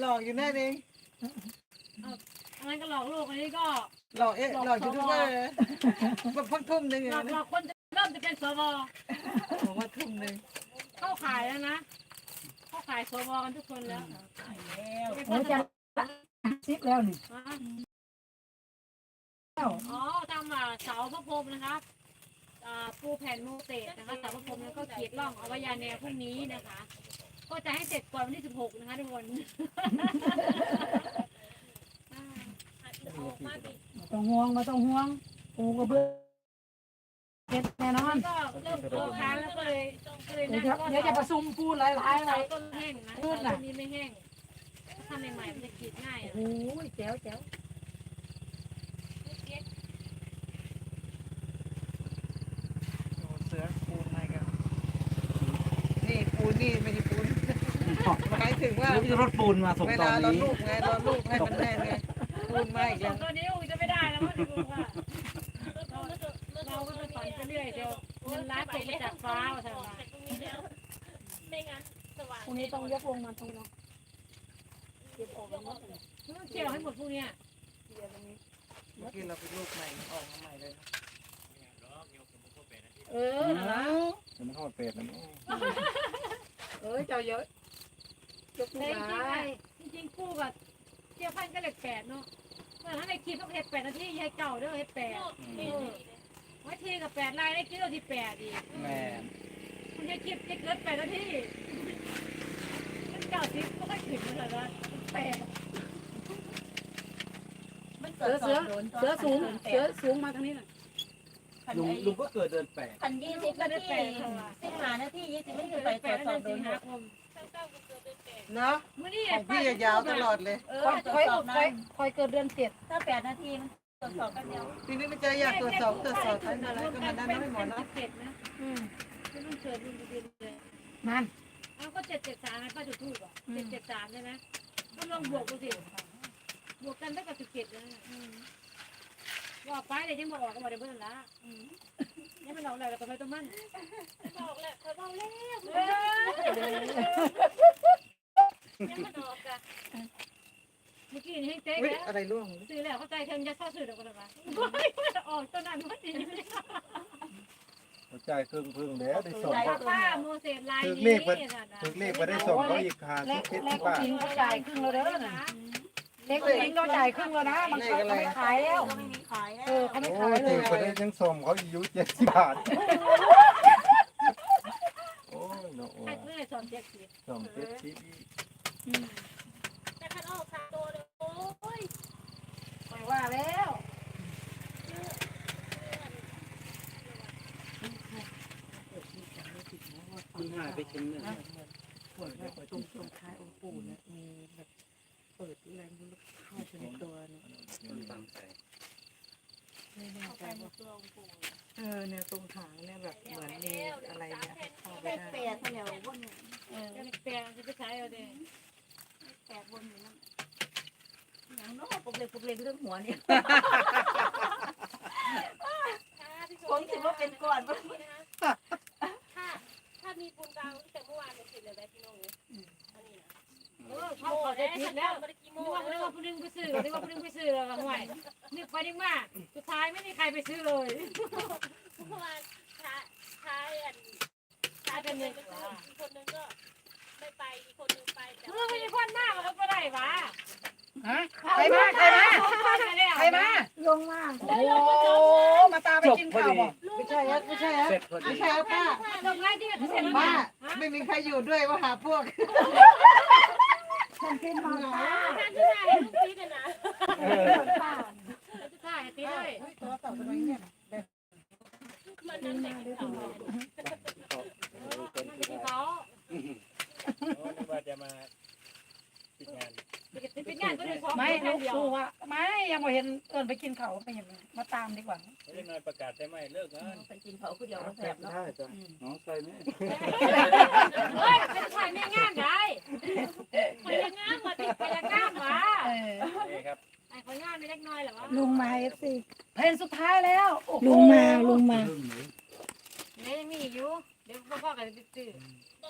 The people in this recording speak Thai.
อกอยู่แน่เองอะไรก็หลอกลูกอันนี้ก็หลอกหลอกยูทูบเบอร์แบบพักทุ่มหนึ่งหลอกคนเริ่มจะเป็นสวบอกว่าทุ่มหนึ่งเข้าขายแล้วนะเข้าขายสวกันทุกคนแล้วโอ้จะซิปแล้วนี่อ๋อทำเสาพระพรหมนะครับปูแผ่นโมเสสนะคะเสาพระพรหมแล้วก็ขีดร่องเอาไว้ยาแนวพรุ่งนี้นะคะก็จะให้เสร็จก่อนวันที่16นะคะทุกคนต้องห่วงมาต้องห่วงปูกระเบื้องเก็บแน่นอนก็เริ่มโตค้างแล้วก็เลยเดี๋ยวจะประชุมปูหลายๆอะไรต้นแห้งนะต้นนี้ไม่แห้งทำใหม่ๆมันจะขีดง่ายโอ้ยแจ๋วเสือปูนอะไรกันนี่ปูนนี่ไม่ใช่ปูนหมายถึงว่ามีรถปูนมาส่งตอนนี้เวลารถลูกไงรถลูกให้มันแน่นไงปูนมาอีกแล้วตัวนี้จะไม่ได้แล้วมั้งว่าเราก็จะฝันไปเรื่อยเดี๋ยวเงินล้านตกมาจากฟ้าว่าทำไมไม่งั้นสว่างพรุ่งนี้ต้องยกลงมาตรงนี้เก็บออกแล้วต้องเกี่ยวให้หมดพวกเนี้ยเมื่อกี้เราไปลูกใหม่ออกมาใหม่เลยมันเข้าเป็ดนะเจ้าเยอะยกมือจริงๆคู่กับเกี่ยวพันก็เลข8เนาะเมื่อถ้าในคลิปต้องเฮ็ด8นาทีให้เก่าเด้อเฮ็ด8ว่าทีกับ8ลายได้คิดว่าที่8อีกแม่คุณจะคลิปจะเกิด8นาทีมันเก่าสิก็ไม่ถึงเลยนะ8 เสือสูงมาทางนี้หน่อยลุงก็เกิดเดินแปดพัน20 นาที15 นาที20ไม่ถึงไปตรวจสอบโดนเนาะของพี่ยาวตลอดเลยคอยเกิดเดือน7 ถ้า8 นาทีมันตรวจสอบกันเดียวทีนี้มันจะอยากตรวจสอบทั้งอะไรก็มันได้ไม่หมดนะไม่ต้องเชิญลุงดินเลยนั่นเอาก็773ไงป้าจุดทูบอ่ะ773ใช่ไหมก็ลองบวกดูสิบวกกันได้กับ17แล้วว่าไปเลยยังมาออกก็มาได้เบิ่งละยังไม่ออกเลยแล้วก็ไปตรงมันออกแล้วเขาเบาแล้วยังไม่ออกอ่ะเมื่อกี้นี่ให้เต๊กแล้วอะไรร่วงซื้อแล้วเข้าใจเธอจะเข้าซื้อเดี๋ยวก็ได้ปะออกตอนนั้นพอดีหัวใจพึ่งแล้วได้ส่งป้าโมเสสลายนี้ถึงเลขไปได้ส่งเขาอีกค่ะเลขจริงเขาจ่ายครึ่งแล้วเด้อเล็กจริงเราจ่ายครึ่งแล้วนะมันเขาไม่ขายแล้วไม่มีขายแล้วเขาไม่ขายเลยคนนี้ยังส่งเขาอายุ70 บาทโอ้ยเนาะให้เพื่อนส่ง70 ส่ง70 แต่คันออก3ตัวเลยโอ้ยไปว่าแล้วมันหายไปชิ้นหนึ่งตรงท้ายองค์ปู่เนี่ยมีแบบเปิดแรงเข้าไปในตัวเนี่ยไม่แน่ใจว่าเนี่ยตรงหางเนี่ยแบบเหมือนมีอะไรเนี่ยเข้าไปได้ 8แถวบน 8จะไปใช้เอาดิ 8บนอยู่นั่นอย่างน้อยปกเล็กเรื่องหัวเนี่ยผมคิดว่าเป็นก่อนถ้ามีปูนกลางแต่เมื่อวานเสร็จเลยได้พี่น้องอันนี้นะเขาได้คิดแล้วนึกว่าผู้นึงไปซื้อแล้วห่วยนึกไปนึกมาสุดท้ายไม่มีใครไปซื้อเลยเมื่อวานท้ายเป็นเงินอีกคนนึงก็ไม่ไปอีกคนนึงไปแต่ไม่มีคนมากมันก็ไม่ได้วะใครมาลงมาโอ้มาตาไปกินข้าวบ่ไม่ใช่ป้าลงง่ายที่จะเสร็จป้าไม่มีใครอยู่ด้วยว่าหาพวกฉันเป็นมาท่านที่ไหนลูกตีกันนะจะถ่ายตีด้วยตัวต่อไปเนี่ยมันนั่นเด็กเขาว่าจะมาปิดงานไม่ลูกว่าไม่ยังไม่เห็นไปกินเขาไปยังมาตามดีกว่าเล่นน้อยประกาศใช่ไหมเลิกงานไปกินเขาคือเดียวแสบเนาะน้องใส่ไหม